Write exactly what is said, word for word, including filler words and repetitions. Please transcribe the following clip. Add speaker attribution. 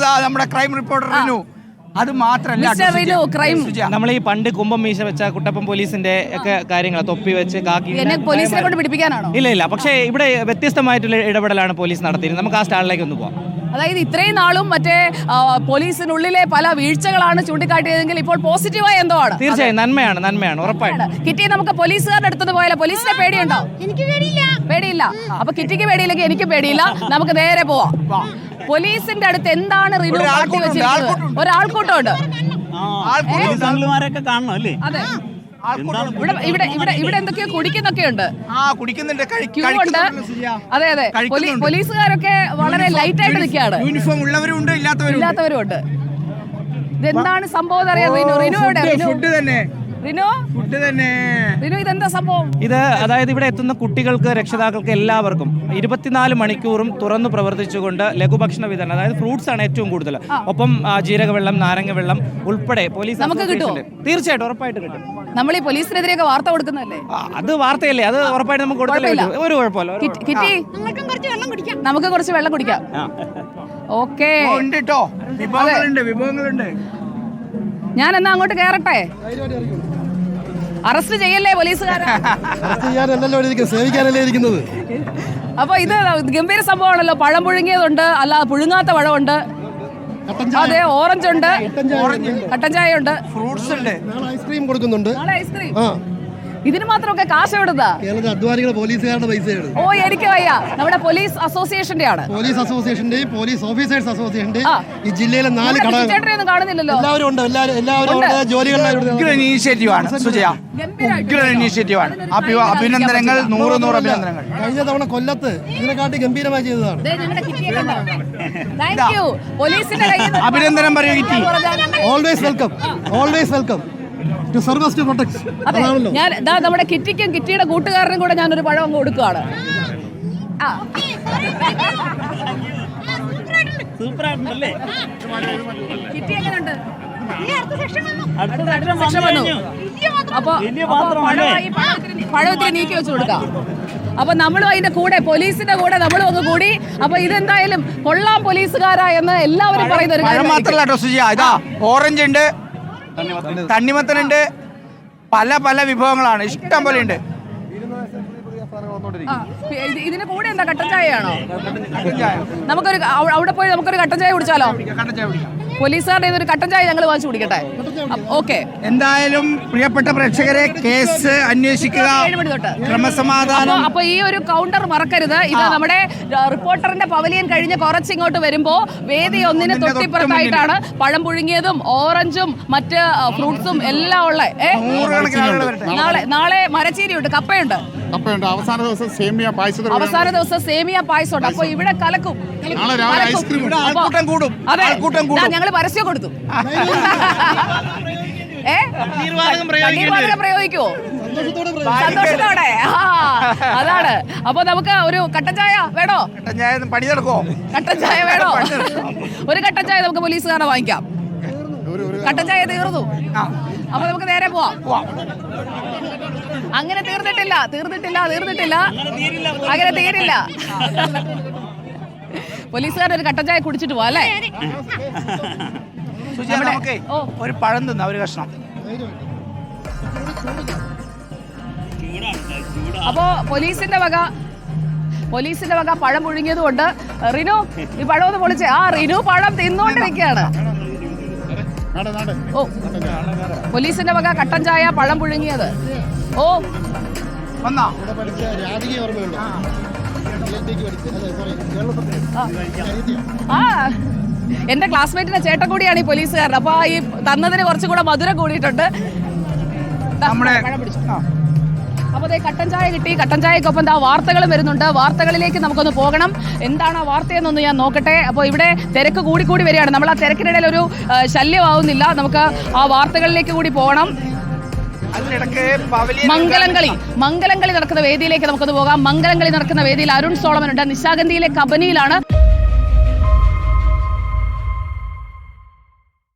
Speaker 1: നമ്മുടെ crime reporter Rinu. അത് മാത്രമല്ല
Speaker 2: നമ്മൾ ഈ പണ്ട് കുമ്പം മീശ വെച്ച കുട്ടപ്പൻ പോലീസിന്റെ ഒക്കെ കാര്യങ്ങൾ തൊപ്പി വെച്ച് കാക്കി
Speaker 3: പോലീസിനെ കൊണ്ട് പിടിപ്പിക്കാനാണോ?
Speaker 2: ഇല്ല ഇല്ല, പക്ഷേ ഇവിടെ വ്യത്യസ്തമായിട്ടുള്ള ഇടപെടലാണ് പോലീസ് നടത്തിയത്. നമുക്ക് ആ സ്റ്റാളിലേക്ക് ഒന്ന് പോവാം.
Speaker 3: അതായത് ഇത്രയും നാളും മറ്റേ പോലീസിനുള്ളിലെ പല വീഴ്ചകളാണ് ചൂണ്ടിക്കാട്ടിയതെങ്കിൽ ഇപ്പോൾ പോസിറ്റീവായ എന്തോ ആണ്.
Speaker 2: തീർച്ചയായും നന്മയാണ്, നന്മയാണ് ഉറപ്പായിട്ടും.
Speaker 3: കിറ്റി, നമുക്ക് പോലീസുകാരുടെ അടുത്തത് പോയാലോ? പോലീസിനെ പേടിയുണ്ടോ?
Speaker 4: എനിക്ക് പേടിയില്ല.
Speaker 3: പേടിയില്ല. അപ്പൊ കിറ്റിക്ക് പേടിയില്ലെങ്കിൽ എനിക്ക് പേടിയില്ല. നമുക്ക് നേരെ പോവാം. പോലീസിന്റെ അടുത്ത് എന്താണ് റിനു കാട്ടി വെച്ചിരിക്കുന്നത്? ഒരാൾക്കൂട്ടമുണ്ട്. അതെ, ഇവിടെ ഇവിടെ ഇവിടെ ഇവിടെ എന്തൊക്കെയോ കുടിക്കുന്നൊക്കെ ഉണ്ട്. അതെ അതെ, പോലീസുകാരൊക്കെ വളരെ ലൈറ്റ് ആയിട്ട് നിൽക്കുകയാണ്.
Speaker 1: യൂണിഫോം ഉള്ളവരും ഉണ്ട്,
Speaker 3: ഇല്ലാത്തവരും ഉണ്ട്. ഇതെന്താണ് സംഭവം അറിയാം? റിനു റിനു എവിടെ?
Speaker 1: ഫുഡ് തന്നെ
Speaker 3: റിനു
Speaker 1: ഫുഡ് തന്നെ
Speaker 3: റിനു ഇതെന്താ സംഭവം?
Speaker 2: ഇത് അതായത് ഇവിടെ എത്തുന്ന കുട്ടികൾക്ക്, രക്ഷിതാക്കൾക്ക് എല്ലാവർക്കും ഇരുപത്തിനാല് മണിക്കൂറും തുറന്നു പ്രവർത്തിച്ചുകൊണ്ട് ലഘുഭക്ഷണ വിതരണം, അതായത് ഫ്രൂട്ട്സ് ആണ് ഏറ്റവും കൂടുതൽ. ഒപ്പം ജീരകവെള്ളം, നാരങ്ങ വെള്ളം ഉൾപ്പെടെ പോലീസ്
Speaker 3: നമുക്ക് കിട്ടുമോ?
Speaker 2: തീർച്ചയായിട്ടും ഉറപ്പായിട്ട് കിട്ടും.
Speaker 3: നമ്മൾ ഈ പോലീസിനെതിരെയൊക്കെ വാർത്ത കൊടുക്കുന്നതല്ലേ?
Speaker 2: അത് വാർത്തയല്ലേ, അത് ഉറപ്പായിട്ട് നമുക്ക് കൊടുക്കില്ല. ഒരു കുഴപ്പമില്ല.
Speaker 3: കിറ്റി, നമുക്ക് കുറച്ച് വെള്ളം കുടിക്കാം. ഓക്കെ,
Speaker 1: വിഭവങ്ങളുണ്ട് വിഭവങ്ങളുണ്ട്
Speaker 3: ഞാൻ എന്നാ അങ്ങോട്ട് കേറട്ടെ? അറസ്റ്റ് ചെയ്യല്ലേ പോലീസുകാരെ? അപ്പൊ ഇത് ഗംഭീര സംഭവമാണല്ലോ. പഴം പുഴുങ്ങിയതുണ്ട്, അല്ലാതെ പുഴുങ്ങാത്ത പഴമുണ്ട്, അതെ, ഓറഞ്ച് ഉണ്ട്, കട്ടൻ ചായ ഉണ്ട്,
Speaker 1: ഫ്രൂട്ട്സ് ഉണ്ട്,
Speaker 5: ഐസ്ക്രീം കൊടുക്കുന്നുണ്ട്.
Speaker 3: ഐസ്ക്രീം. ഇതിന് മാത്രമൊക്കെ കാശ് എവിടുന്നാ?
Speaker 5: അധ്വാനികളെ പോലീസുകാരുടെ പൈസയാണ്.
Speaker 3: ഓ, എനിക്ക് വയ്യ. നമ്മുടെ പോലീസ് അസോസിയേഷന്റെ ആണ്.
Speaker 5: പോലീസ് അസോസിയേഷന്റെയും പോലീസ് ഓഫീസേഴ്സ് അസോസിയേഷന്റെയും ഈ ജില്ലയിലെ നാല് ഘടകങ്ങൾ
Speaker 3: കാണുന്നില്ലല്ലോ.
Speaker 5: എല്ലാവരും ഉണ്ട്. എല്ലാവരും
Speaker 1: ഇനീഷ്യേറ്റീവാണ് സുജയ, ഇനീഷ്യേറ്റീവാണ്. അഭിനന്ദനങ്ങൾ, നൂറ് നൂറ് അഭിനന്ദനങ്ങൾ.
Speaker 5: കഴിഞ്ഞ തവണ കൊല്ലത്ത് ഇതിനെക്കാട്ടി ഗംഭീരമായി ചെയ്തതാണ്.
Speaker 1: അഭിനന്ദനം പറയൂ Kitty.
Speaker 5: Always welcome, always welcome to service to protect.
Speaker 3: ഞാൻ നമ്മുടെ കിറ്റിക്കും കിറ്റിയുടെ കൂട്ടുകാരനും കൂടെ ഞാനൊരു പഴം അങ്ങ് കൊടുക്കുകയാണ്. കിറ്റി എങ്ങനെയുണ്ട്? അപ്പൊ പഴം നീക്കി വെച്ച് കൊടുക്കാം. അപ്പൊ നമ്മളും അതിന്റെ കൂടെ, പോലീസിന്റെ കൂടെ നമ്മളും ഒന്ന് കൂടി. അപ്പൊ ഇതെന്തായാലും കൊള്ളാം പോലീസുകാരാ എന്ന് എല്ലാവരും പറയുന്ന ഒരു കാര്യം
Speaker 1: മാത്രമല്ല. ഇതാ ഓറഞ്ച് ഉണ്ട്, തണ്ണിമത്തനുണ്ട്, പല പല വിഭവങ്ങളാണ്, ഇഷ്ടം പോലെ ഉണ്ട്.
Speaker 3: ഇതിന് കൂടെ എന്താ, കട്ടൻ ചായയാണോ? നമുക്കൊരു അവിടെ പോയി നമുക്കൊരു കട്ടൻ ചായ കുടിച്ചാലോ? പോലീസുകാരുടെ ഒരു കട്ടൻ ചായ ഞങ്ങൾ വാങ്ങിച്ചു കുടിക്കട്ടെ? ഓക്കെ.
Speaker 1: എന്തായാലും പ്രിയപ്പെട്ട പ്രേക്ഷകരെ, കേസ് അന്വേഷിക്കുക, ക്രമസമാധാനം.
Speaker 3: അപ്പൊ ഈ ഒരു കൗണ്ടർ മറക്കരുത്. ഇത് നമ്മുടെ റിപ്പോർട്ടറിന്റെ പവലിയൻ കഴിഞ്ഞ് കുറച്ചിങ്ങോട്ട് വരുമ്പോ വേദി ഒന്നിന് തൊട്ടിപ്പുറത്തായിട്ടാണ് പഴം പുഴുങ്ങിയതും ഓറഞ്ചും മറ്റ് ഫ്രൂട്ട്സും എല്ലാം ഉള്ള. നാളെ നാളെ മരച്ചീരിയുണ്ട്, കപ്പയുണ്ട്,
Speaker 6: അവസാന ദിവസം സേമിയ പായസം
Speaker 3: അവസാന ദിവസം സേമിയ പായസം ഉണ്ട്. അപ്പൊ ഇവിടെ കലക്കും. ഞങ്ങൾ പരസ്യം കൊടുത്തു. ഏ പ്രയോഗിക്കുവോ? സന്തോഷത്തോടെ. അതാണ്. അപ്പൊ നമുക്ക് ഒരു കട്ടൻ ചായ വേണോ?
Speaker 1: പണി നടക്കോ?
Speaker 3: കട്ടൻ ചായ വേണോ? ഒരു കട്ടൻ ചായ നമുക്ക് പോലീസുകാരെ വാങ്ങിക്കാം. കട്ടൻ ചായ തീർന്നു. അപ്പൊ നമുക്ക് നേരെ പോവാം. അങ്ങനെ തീർന്നിട്ടില്ല, തീർന്നിട്ടില്ല, തീർന്നിട്ടില്ല, അങ്ങനെ തീരില്ല. പോലീസുകാർ ഒരു കട്ടൻ ചായ കുടിച്ചിട്ട് പോവാ അല്ലേ?
Speaker 1: ഒരു പഴം തിന്ന, ഒരു കഷ്ണം.
Speaker 3: അപ്പോ പോലീസിന്റെ വക പോലീസിന്റെ വക പഴം പുഴുങ്ങിയത് കൊണ്ട് റിനു ഈ പഴം ഒന്ന് പൊളിച്ചേ. ആ, റിനു പഴം തിന്നോണ്ടിരിക്കുകയാണ്. ഓ, പോലീസിന്റെ വക കട്ടൻ ചായ, പഴം പുഴുങ്ങിയത്. ഓ, ആ, എന്റെ ക്ലാസ്മേറ്റിന്റെ ചേട്ടൻ കൂടിയാണ് ഈ പോലീസുകാരൻ. അപ്പൊ ഈ തന്നതിന് കുറച്ചും കൂടെ മധുരം കൂടിയിട്ടുണ്ട്. അപ്പൊ അതേ കട്ടൻ ചായ കിട്ടി. കട്ടൻ ചായക്കൊപ്പം എന്താ വാർത്തകളും വരുന്നുണ്ട്. വാർത്തകളിലേക്ക് നമുക്കൊന്ന് പോകണം. എന്താണ് ആ വാർത്തയെന്നൊന്ന് ഞാൻ നോക്കട്ടെ. അപ്പോൾ ഇവിടെ തിരക്ക് കൂടി കൂടി വരികയാണ്. നമ്മൾ ആ തിരക്കിനിടയിൽ ഒരു ശല്യമാവുന്നില്ല. നമുക്ക് ആ വാർത്തകളിലേക്ക് കൂടി പോകണം. മംഗലംകളി മംഗലംകളി നടക്കുന്ന വേദിയിലേക്ക് നമുക്കൊന്ന് പോകാം. മംഗലംകളി നടക്കുന്ന വേദിയിൽ അരുൺ സോളമൻ ഉണ്ട്. നിശാഗന്ധിയിലെ കബനിയിലാണ്